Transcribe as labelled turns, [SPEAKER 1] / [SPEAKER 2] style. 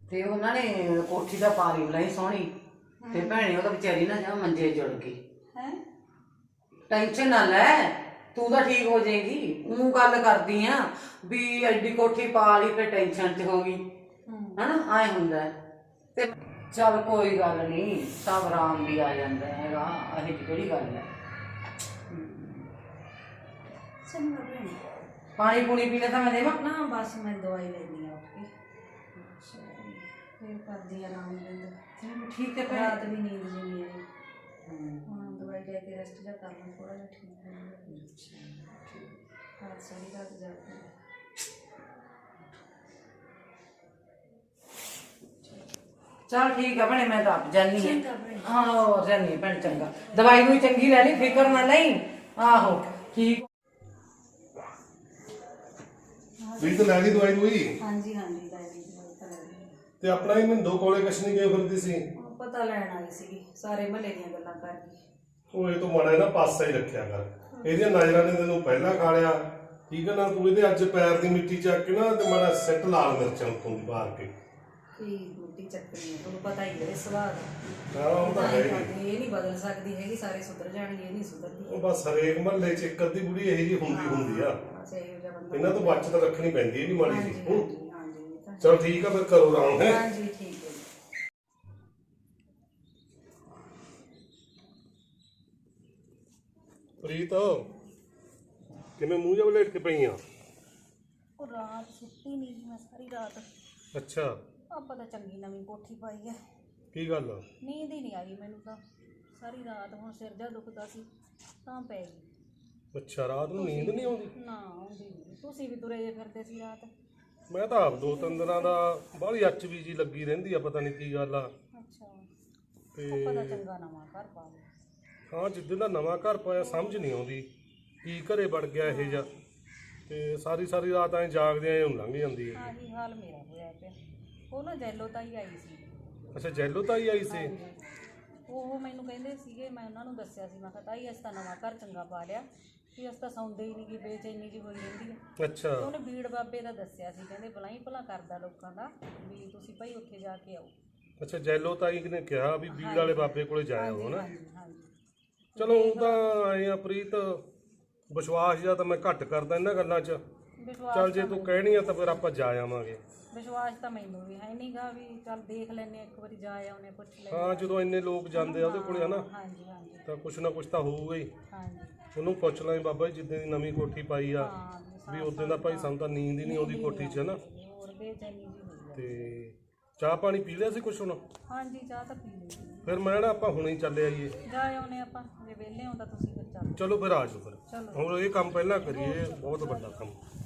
[SPEAKER 1] ਤੇ ਉਹਨਾਂ ਨੇ ਕੋਠੀ ਦਾ ਪਾਰੀ ਬਣਾਈ ਸੋਹਣੀ ਤੇ ਭੈਣੇ ਉਹਦਾ ਵਿਚਾਰੀ ਨਾ ਜਾ ਮੰਜੇ ਜੁੜ ਗਈ ਹੈ। ਟੈਨਸ਼ਨ ਨਾ ਲੈ, ਤੂੰ ਤਾਂ ਠੀਕ ਹੋ ਜਾਏਗੀ। ਉਹ ਗੱਲ ਕਰਦੀ ਆ ਵੀ ਐਡੀ ਕੋਠੀ ਪਾ ਲਈ ਫਿਰ ਟੈਨਸ਼ਨ ਚ ਹੋ ਗਈ ਹਨਾ, ਐ ਹੁੰਦਾ ਤੇ ਚੱਲ ਕੋਈ ਗੱਲ ਨਹੀਂ, ਸਭ ਆਰਾਮ ਵੀ ਆ ਜਾਂਦਾ ਹੈਗਾ, ਇਹ ਕਿਹੜੀ ਗੱਲ ਹੈ। ਪਾਣੀ ਪੂਣੀ ਪੀਣਾ ਤਾਂ ਮੈਂ ਦੇਵਾਂ
[SPEAKER 2] ਨਾ, ਬਸ ਮੈਂ ਦਵਾਈ ਲੈਣੀ ਆ ਉੱਠ ਕੇ ਫਿਰ ਕਰਦੀ ਆਰਾਮ ਲੈਂਦਾ।
[SPEAKER 1] ਠੀਕ ਹੈ ਭੈਣ,
[SPEAKER 2] ਰਾਤ ਵੀ ਨੀਂਦ ਨਹੀਂ ਆਈ, ਹੁਣ ਦਵਾਈ ਲੈ ਕੇ ਰੈਸਟ ਜਾ ਕਰਨਾ ਥੋੜਾ ਜਿਹਾ ਠੀਕ ਹੋ ਜਾਊਗਾ। ਰਾਤ ਸਾਰੀ ਰਾਤ ਜਾਗਦੀ ਹੈ।
[SPEAKER 1] चल ठीक है भैने, मैं तो आप जानी है। हाँ और जानी है भैन, चंगा दवाई भी चंगी ले ली, फिक्र ना नहीं। आहो ठीक
[SPEAKER 3] ਵੀ ਤਾਂ ਲੈ ਲਈ ਦਵਾਈ ਦੂਈ।
[SPEAKER 2] ਹਾਂਜੀ ਹਾਂਜੀ ਲੈ ਲਈ ਦਵਾਈ ਤਾਂ ਲੈ ਲਈ।
[SPEAKER 3] ਤੇ ਆਪਣਾ ਹੀ ਮਿੰਦੋ ਕੋਲੇ ਕੁਛ ਨਹੀਂ ਗਏ ਫਿਰਦੀ ਸੀ।
[SPEAKER 2] ਪਤਾ ਲੈਣ ਆਈ ਸੀਗੀ, ਸਾਰੇ ਮਹੱਲੇ ਦੀਆਂ ਗੱਲਾਂ ਕਰ ਗਈ।
[SPEAKER 3] ਉਹ ਇਹ ਤੋਂ ਮਾੜਾ ਨਾ ਪਾਸਾ ਹੀ ਰੱਖਿਆ ਕਰ, ਇਹਦੀਆਂ ਨਜ਼ਰਾਂ ਨੇ ਤੈਨੂੰ ਪਹਿਲਾਂ ਖਾ ਲਿਆ, ਠੀਕ ਹੈ ਨਾ। ਤੂੰ ਇਹਦੇ ਅੱਜ ਪੈਰ ਦੀ ਮਿੱਟੀ ਚੱਕ ਕੇ ਨਾ ਤੇ ਮਾੜਾ ਸਿੱਟ ਲਾਲ ਮਿਰਚਾਂ ਉੱਤੋਂ ਦੀ ਮਾਰ ਕੇ।
[SPEAKER 2] ਕੀ ਮਿੱਟੀ ਚੱਕਣੀ ਹੈ, ਤੁਹਾਨੂੰ ਪਤਾ ਹੀ ਹੈ ਸੁਭਾਅ ਦਾ।
[SPEAKER 3] ਹਾਂ ਉਹ ਤਾਂ ਹੈ ਹੀ।
[SPEAKER 2] ਇਹ ਨਹੀਂ ਬਦਲ ਸਕਦੀ ਹੈਗੀ, ਸਾਰੇ ਸੁਧਰ ਜਾਣਗੇ, ਇਹ ਨਹੀਂ ਸੁਧਰਦੀ।
[SPEAKER 3] ਉਹ ਬਸ ਹਰੇਕ ਮਹੱਲੇ 'ਚ ਇੱਕ ਅੱਧੀ ਬੁੜੀ ਇਹੀ ਜਿਹੀ ਹੁੰਦੀ ਆ, ਇਹਨਾਂ ਤੋਂ ਬਚਤ ਰੱਖਣੀ ਪੈਂਦੀ ਹੈ ਵੀ ਮਾੜੀ ਜੀ। ਚਲ ਠੀਕ ਆ, ਫਿਰ ਕਰੋ ਆਰਾਮ ਹੈ।
[SPEAKER 2] ਹਾਂਜੀ ਠੀਕ ਹੈ।
[SPEAKER 3] ਪ੍ਰੀਤ ਕਿਵੇਂ ਮੂੰਹ ਜਿਹਾ ਵਲੇਟ ਕੇ ਪਈ ਆ?
[SPEAKER 2] ਉਹ ਰਾਤ ਸੁੱਤੀ ਨਹੀਂ ਜੀ ਮੈਂ ਸਾਰੀ ਰਾਤ।
[SPEAKER 3] ਅੱਛਾ,
[SPEAKER 2] ਆਪਾਂ ਤਾਂ ਚੰਗੀ ਨਵੀਂ ਕੋਠੀ ਪਾਈ ਹੈ,
[SPEAKER 3] ਕੀ ਗੱਲ?
[SPEAKER 2] ਨੀਂਦ ਹੀ ਨਹੀਂ ਆਈ ਮੈਨੂੰ ਤਾਂ ਸਾਰੀ ਰਾਤ। ਹੁਣ ਸਿਰ ਜਾ ਦੁਖਦਾ ਸੀ ਤਾਂ ਪੈ ਗਈ।
[SPEAKER 3] ਅੱਛਾ, ਰਾਤ ਨੂੰ ਨੀਂਦ ਨਹੀਂ ਆਉਂਦੀ?
[SPEAKER 2] ਨਾ ਆਉਂਦੀ ਨਹੀਂ। ਤੁਸੀਂ ਵੀ ਤੁਰੇ ਜੇ ਫਿਰਦੇ ਸੀ ਰਾਤ?
[SPEAKER 3] ਮੈਂ ਤਾਂ ਆਪ 2-3 ਦਿਨਾਂ ਦਾ ਬਾਹਲੀ HB ਜੀ ਲੱਗੀ ਰਹਿੰਦੀ ਆ, ਪਤਾ ਨਹੀਂ ਕੀ ਗੱਲ ਆ।
[SPEAKER 2] ਅੱਛਾ,
[SPEAKER 3] ਤੇ
[SPEAKER 2] ਆਪਾਂ ਤਾਂ ਚੰਗਾ ਨਵਾਂ ਘਰ ਪਾ ਲਿਆ।
[SPEAKER 3] ਹਾਂ, ਜਿੱਦਣ ਦਾ ਨਵਾਂ ਘਰ ਪਾਇਆ ਸਮਝ ਨਹੀਂ ਆਉਂਦੀ ਕੀ ਘਰੇ ਵੜ ਗਿਆ ਇਹ ਜਿਹਾ, ਤੇ ਸਾਰੀ ਰਾਤ ਐਂ ਜਾਗਦੇ ਐਂ ਲੰਘ ਜਾਂਦੀ ਹੈ।
[SPEAKER 2] ਆਹੀ ਹਾਲ ਮੇਰਾ ਹੋਇਆ ਪਿਆ। ਉਹ ਨਾ ਜੈਲੋ ਤਾਈ ਆਈ ਸੀ।
[SPEAKER 3] ਅੱਛਾ, ਜੈਲੋ ਤਾਈ ਆਈ ਸੀ?
[SPEAKER 2] ਉਹ ਮੈਨੂੰ ਕਹਿੰਦੇ ਸੀਗੇ, ਮੈਂ ਉਹਨਾਂ ਨੂੰ ਦੱਸਿਆ ਸੀ, ਮੈਂ ਕਿਹਾ ਤਾਈ ਅਸੀਂ ਤਾਂ ਨਵਾਂ ਘਰ ਚੰਗਾ ਪਾ ਲਿਆ ਵੀ ਅਸੀਂ ਤਾਂ ਸੌਂਦੇ ਹੀ ਨਹੀਂ ਗੀ, ਬੇਚੈਨੀ ਜੀ ਹੋਈ ਰਹਿੰਦੀ ਹੈ।
[SPEAKER 3] ਅੱਛਾ,
[SPEAKER 2] ਉਹਨੇ ਬੀੜ ਬਾਬੇ ਦਾ ਦੱਸਿਆ ਸੀ, ਕਹਿੰਦੇ ਭਲਾ ਭਲਾ ਕਰਦਾ ਲੋਕਾਂ ਦਾ, ਵੀ ਤੁਸੀਂ ਭਾਈ ਉੱਥੇ ਜਾ ਕੇ ਆਓ।
[SPEAKER 3] ਅੱਛਾ, ਜੈਲੋ ਤਾਈ ਨੇ ਕਿਹਾ ਵੀ ਬੀੜ ਵਾਲੇ ਬਾਬੇ ਕੋਲੇ ਜਾਇਆ ਹੋ ਨਾ।
[SPEAKER 2] ਹਾਂਜੀ।
[SPEAKER 3] ਚਲੋ ਉਹ ਤਾਂ ਆਏ ਆ ਪ੍ਰੀਤ, ਵਿਸ਼ਵਾਸ ਜਾਂ ਤਾਂ ਮੈਂ ਘੱਟ ਕਰਦਾ ਇਹਨਾਂ ਗੱਲਾਂ 'ਚ। ਚੱਲ ਜੇ ਤੂੰ ਕਹਿਣੀ ਆ ਤਾਂ ਫਿਰ ਆਪਾਂ ਜਾ ਆਵਾਂਗੇ।
[SPEAKER 2] ਵਿਸ਼ਵਾਸ ਤਾਂ ਮੈਨੂੰ ਵੀ ਹੈ ਨੀ ਗਾ, ਵੀ ਚੱਲ ਦੇਖ ਲੈਨੇ ਇੱਕ ਵਾਰੀ ਜਾ ਆਉਨੇ, ਪੁੱਛ ਲੈ।
[SPEAKER 3] ਹਾਂ, ਜਦੋਂ ਇੰਨੇ ਲੋਕ ਜਾਂਦੇ ਆ ਉਹਦੇ ਕੋਲੇ ਹਨਾ,
[SPEAKER 2] ਹਾਂਜੀ
[SPEAKER 3] ਤਾਂ ਕੁਛ ਨਾ ਕੁਛ ਤਾਂ ਹੋਊਗਾ ਹੀ।
[SPEAKER 2] ਹਾਂਜੀ।
[SPEAKER 3] ਉਹਨੂੰ ਪੁੱਛ ਲਾਂ ਬਾਬਾ ਜੀ, ਜਿੱਦਾਂ ਦੀ ਨਵੀਂ ਕੋਠੀ ਪਾਈ ਆ ਵੀ ਉਦੋਂ ਦਾ ਭਾਈ ਸਾਨੂੰ ਤਾਂ ਨੀਂਦ ਹੀ ਨਹੀਂ ਆਉਂਦੀ ਕੋਠੀ 'ਚ ਹਨਾ।
[SPEAKER 2] ਹੋਰ ਬੇਚੈਨੀ ਜੀ ਹੋਈ।
[SPEAKER 3] ਤੇ ਚਾਹ ਪਾਣੀ ਪੀ ਲਿਆ ਸੀ ਕੁਛ ਹੁਣ?
[SPEAKER 2] ਹਾਂਜੀ, ਚਾਹ ਤਾਂ ਪੀ ਲਈ।
[SPEAKER 3] ਫਿਰ ਮੈਂ ਨਾ ਆਪਾਂ ਹੁਣੇ ਹੀ ਚੱਲੇ ਆਈਏ।
[SPEAKER 2] ਜਾ ਆਉਨੇ ਆਪਾਂ, ਜੇ ਵਿਹਲੇ ਹੋ ਤਾਂ ਤੁਸੀਂ ਫਿਰ ਚੱਲ।
[SPEAKER 3] ਚਲੋ ਫਿਰ ਆ ਜਾਓ ਫਿਰ, ਹੁਣ ਇਹ ਕੰਮ ਪਹਿਲਾਂ ਕਰੀਏ, ਬਹੁਤ ਵੱਡਾ ਕੰਮ।